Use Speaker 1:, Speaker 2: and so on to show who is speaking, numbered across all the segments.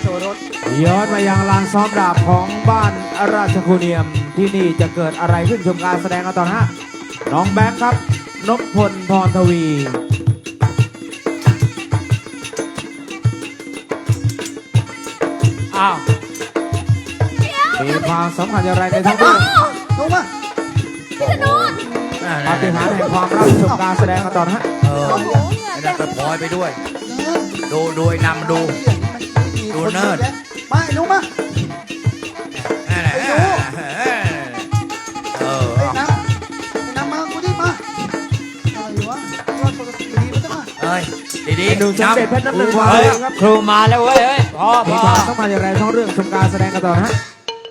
Speaker 1: รส
Speaker 2: ย้อนมายังลานซ้อมดาบของบ้านราชคูเนียมที่นี่จะเกิดอะไรขึ้นชมการแสดงกันต่อนะฮะน้องแบงค์ครับนพพลพรทวี
Speaker 1: อ้าว
Speaker 2: มีความสำคัญอย่างไรในทั้งเรื่อง
Speaker 3: ลงมา
Speaker 4: พี่ธนูน
Speaker 2: ปาฏิหาริย์แห่งความรักชมการแสดงกันต่อนะฮะ
Speaker 4: โอ้โหเหงื่อ
Speaker 1: ไอ้
Speaker 4: เต็
Speaker 1: นั่น
Speaker 4: ม
Speaker 1: ก็พลอยไปด้วย ดูไอ้นำดูเนิร์ด
Speaker 3: มาไอ้หนูมา
Speaker 1: นั่นแหละ
Speaker 3: ไอ้น้ำมากูดิมาอะไรวะว่าปกติดีมันจะมา
Speaker 1: เอ้ยดี
Speaker 2: หนุ่ม
Speaker 1: ๆ
Speaker 2: สมเด็จเพชรน้ำหนึ่งวา
Speaker 1: เฮ้ย
Speaker 2: ครับ
Speaker 1: ครูมาแล้วเว้ยเฮ้ยพ่อ
Speaker 2: มีความสำคัญอย่างไรทั้งเรื่องชมการแสดงกันต่อนะฮะ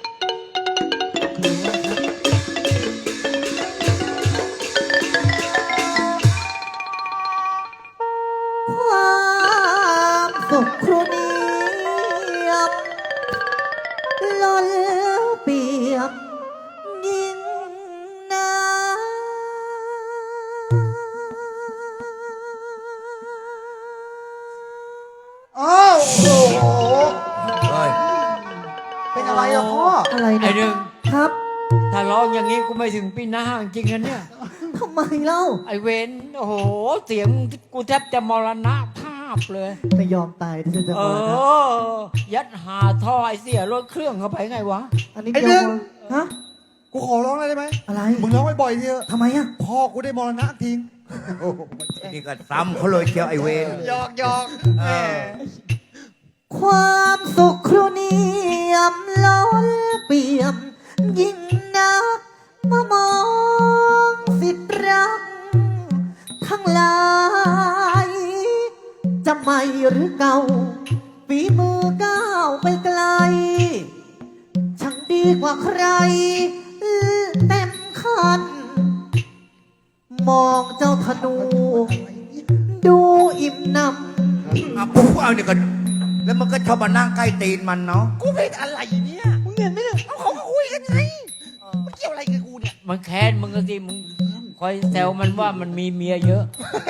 Speaker 5: ความสุขครูเนียบล้นเปี่ยมยิ่งนัก
Speaker 3: อ้าวโอ้โห
Speaker 1: เฮ้ย
Speaker 3: เป็นอะไรอะพ่อ
Speaker 5: อะไร
Speaker 1: ไอ้
Speaker 5: เนี่ย
Speaker 1: หนึ่ง
Speaker 5: ครับ
Speaker 1: ถ้าร้องอย่างนี้กูไม่ถึงปีหน้าจริงๆนะเนี่ย
Speaker 5: ทำไมเล่า
Speaker 1: ไอ้เวนโอ้โหเสียงกูแทบจะมรณะภาพเลย
Speaker 5: ไม่ยอมตายที่จะ
Speaker 1: เอ
Speaker 5: มานะ
Speaker 1: อ ยัดหาท่อไอเสียรถเครื่องเข้าไปไงวะ
Speaker 5: อันนี้
Speaker 3: ไอ้
Speaker 5: เดี
Speaker 3: หนึ่
Speaker 5: ยว
Speaker 3: ง
Speaker 5: ฮะ
Speaker 3: กูขอร้องได้ไหม
Speaker 5: อะไร
Speaker 3: มึงร้องบ่อยๆทีเถอะ
Speaker 5: ทำไมอ่ะ
Speaker 3: พ่อกูได้มรณะทิ้ง
Speaker 1: นี่ก็ซ้ำเขาเลยเชียวไอเวน
Speaker 3: หยอก
Speaker 1: เออ
Speaker 5: ความสุขครูเนียมล้นเปี่ยมยิ่งนักมามองสิทธิ์รักทั้งหลายจะใหม่หรือเก่าฝีมือก้าวไปไกล ช่างดีกว่าใครเต็มคัน มองเจ้าธนู ดูอิ่มหนำ
Speaker 1: เอาปุ๊บเอาเนี่ยก็แล้วมันก็ชอบมานั่งใกล้ตีนมันเนาะ
Speaker 3: กูเป็นอะไรเนี่ยมึงเห็นไหมเนี่ยเอาเขาก็คุยกันไงมันเกี่ยวอะไรกับกูเนี่ย
Speaker 1: มันแค้นมึงก็สิมึงคอยแซวมันว่ามันมีเมียเยอะ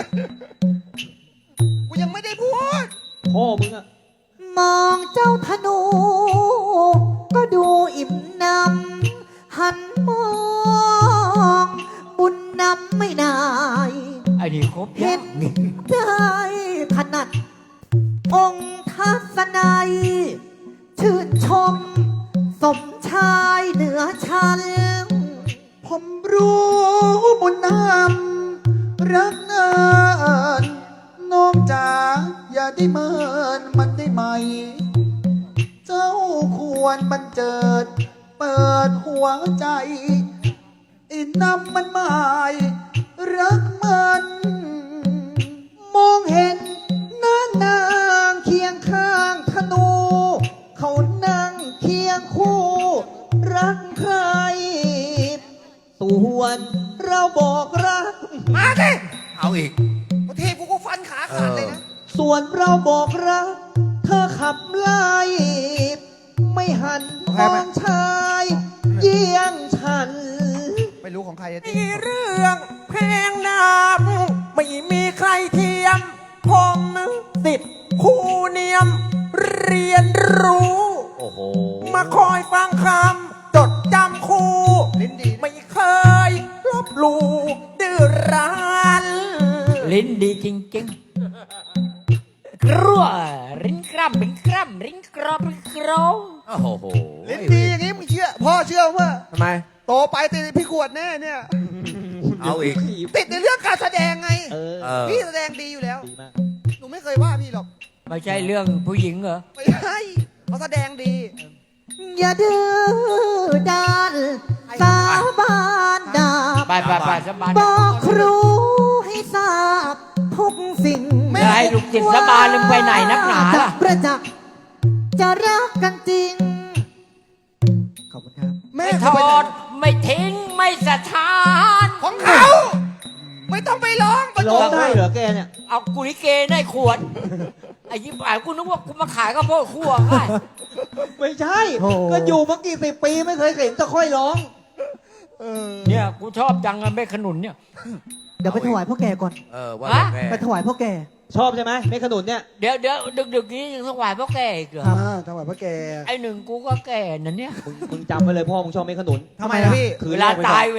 Speaker 3: กูยังไม่ได้พูด
Speaker 2: พ่อมึงอะ
Speaker 5: มองเจ้าธนู ก็ดูอิ่มหนำหันมองบุญนำไม่นาย
Speaker 1: ไอ้นี่ครบ
Speaker 5: เห็
Speaker 1: ยั
Speaker 5: น
Speaker 1: งนี่
Speaker 5: ได้ถนัด องค์ทัศนัยชื่นชม สมชายเหนือชั้น
Speaker 3: ผมรู้บุญนำรักเงินน้องจ๋าอย่าได้เมินมันได้ไหม เจ้าควรบันเจิด เปิดหัวใจอินนำมันหมายรักมันมองเห็นนางเคียงข้างธนู เขานั่งเคียงคู่ รักใคร ส่วนเราบอกรัก มาสิ
Speaker 1: เอาอีก
Speaker 3: บางทีกูก็ฟันขาขาดเลยนะ
Speaker 1: เออ
Speaker 3: ส่วนเราบอกรัก เธอขับไล่ไม่หันมองชายเยี่ยงฉัน ไม่รู้ของใครอะที่เรื่องเพลงนามไม่มีใครเทียม ผมติดครูเนียม เรียนรู้
Speaker 1: โอ้โห
Speaker 3: มาคอยฟังคำจดจำครูไม่เคยลบหลู่ดื้อรั้น
Speaker 1: ลิ้นดีจริงๆกรัวริ้นกรัมริ้นกรัมริ้นกรอบริ้นกรอบโอ้โห
Speaker 3: ลิ้นดีอย่างนี้มึงเชื่อ พ่อเชื่อว่า
Speaker 2: ทำไม
Speaker 3: โตไปติดพี่ขวดแน่เนี่ย
Speaker 1: เอาอีก
Speaker 3: ติดในเรื่องการแสดงไง
Speaker 1: เออ
Speaker 3: พี่แสดงดีอยู่แล้ว หนูไม่เคยว่าพี่หรอก
Speaker 1: ไม่ใช่เรื่องผู้หญิงเหรอ
Speaker 3: ไม่ใช่เขาแสดงดี
Speaker 5: อย่าดื้อด้านสาบานดาบ
Speaker 1: ไปสบาย
Speaker 5: บอกครูให้ทราบทุกสิ่ง
Speaker 1: ไม่ให้ลูกจิตสบายลืมไปไหนนักหนา
Speaker 5: จะ
Speaker 1: ล่ะ
Speaker 5: ประจักษ์จะรักกันจริง ขอบคุณครับ
Speaker 3: แม่
Speaker 1: ไม่ทอดไม่ทิ้งไม่สะทาน
Speaker 3: ของเขา ไม่ต้องไปร้องประ
Speaker 2: ร้องได้เหรอแกเนี่ย
Speaker 1: เอากุลิเกในขวดไอ้ยิบหายกูนึกว่ากูมาขายข้าวโพดคั่วไง
Speaker 2: ไม่ใช่
Speaker 5: โอ้
Speaker 2: ก็อยู่มากี่สิบปีไม่เคยเห็นจะค่อยร้อง
Speaker 1: เนี่ยกูชอบจังอะเม็ดขนุนเนี่ย
Speaker 5: เดี๋ยวไปถวายพ่อแก่ก่อน
Speaker 1: ว่า
Speaker 5: ไปถวายพ่อแก่
Speaker 6: ชอบใช่ไหมเม็ดขนุนเนี่ย
Speaker 1: เดี๋ยวดึกๆนี้ยังถวายพ่อแก่อีกเหรอ
Speaker 3: ถวายพระแก
Speaker 1: ไอ้หนึ่งกูก็แก่นั่นเนี่ย
Speaker 6: มึงจำไว้เลยพ่อมึงชอบเม็ดขนุน
Speaker 3: ทำไมล่ะพี่
Speaker 6: คือ
Speaker 1: เวลา
Speaker 6: แรกไปก่อน
Speaker 1: ตาย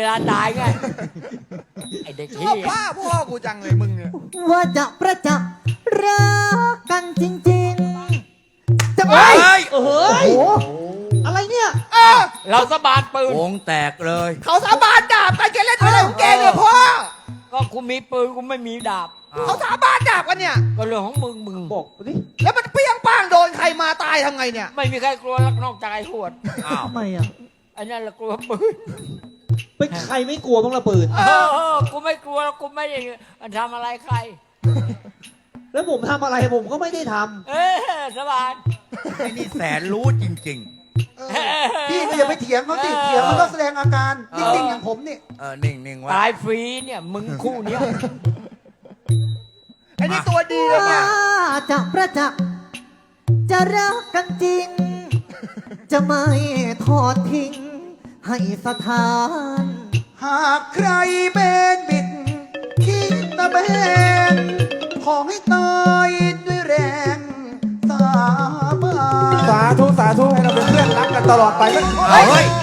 Speaker 1: ไอ้เด็ก
Speaker 3: ช
Speaker 1: ที่
Speaker 3: อบพ่อกูจังเลยมึงเนี่ย
Speaker 5: ว่าจะประจักษ์รักกันจริงๆ จะไป
Speaker 6: เฮ้ย
Speaker 5: โอ้โหอะไรเนี่ย
Speaker 1: เราสะบานปืน
Speaker 7: วงแตกเลย
Speaker 3: เขาสาบานดาบกันแกเล่นอะไรของแกเนี่ยพ่อ
Speaker 1: ก็กูมีปืนกูไม่มีดาบ
Speaker 3: เขาสาบานดาบกันเนี่ย
Speaker 1: ก็เรื่องของมึง
Speaker 6: บอกดิ
Speaker 3: แล้วมันเปี้ยงป้างโดนใครมาตายทำไงเนี่ย
Speaker 1: ไม่มีใครกลัวลักนอกจากไอ้หวด
Speaker 7: อ้าว
Speaker 5: ทำไมอ่ะ
Speaker 1: ไอ้นั่นแหละกลัวปืน
Speaker 6: เป็นใครไม่กลัวบ้างละปืน
Speaker 1: กูไม่กลัวกูไม่ได้ทำอะไรใคร
Speaker 6: แล้วผมทำอะไรผมก็ไม่ได้ท
Speaker 1: สบาน
Speaker 7: ไอ้นี่แสนรู้จริง
Speaker 3: พี่ก็อย่าไปเถียงเขาสิเถียงเขาต้องแสดงอาการนิ่งๆอย่างผมนี่
Speaker 7: ๆ นิ่งๆไว้
Speaker 1: ตายฟรีเนี่ยมึงคู่เนี้ย
Speaker 3: ไอ้นี่ตัวดีเลยเนี่ย
Speaker 5: ว่าจะประจักษ์จะรักกันจริง จะไม่ทอดทิ้ง ให้สถาน
Speaker 3: หากใครเป็นบิดคิดตะเบนขอให้ตายด้วยแรงสาบาน
Speaker 2: สาธุ สาธุ ให้เราเป็นเพื่อนรักกันตลอดไป
Speaker 7: เฮ้ย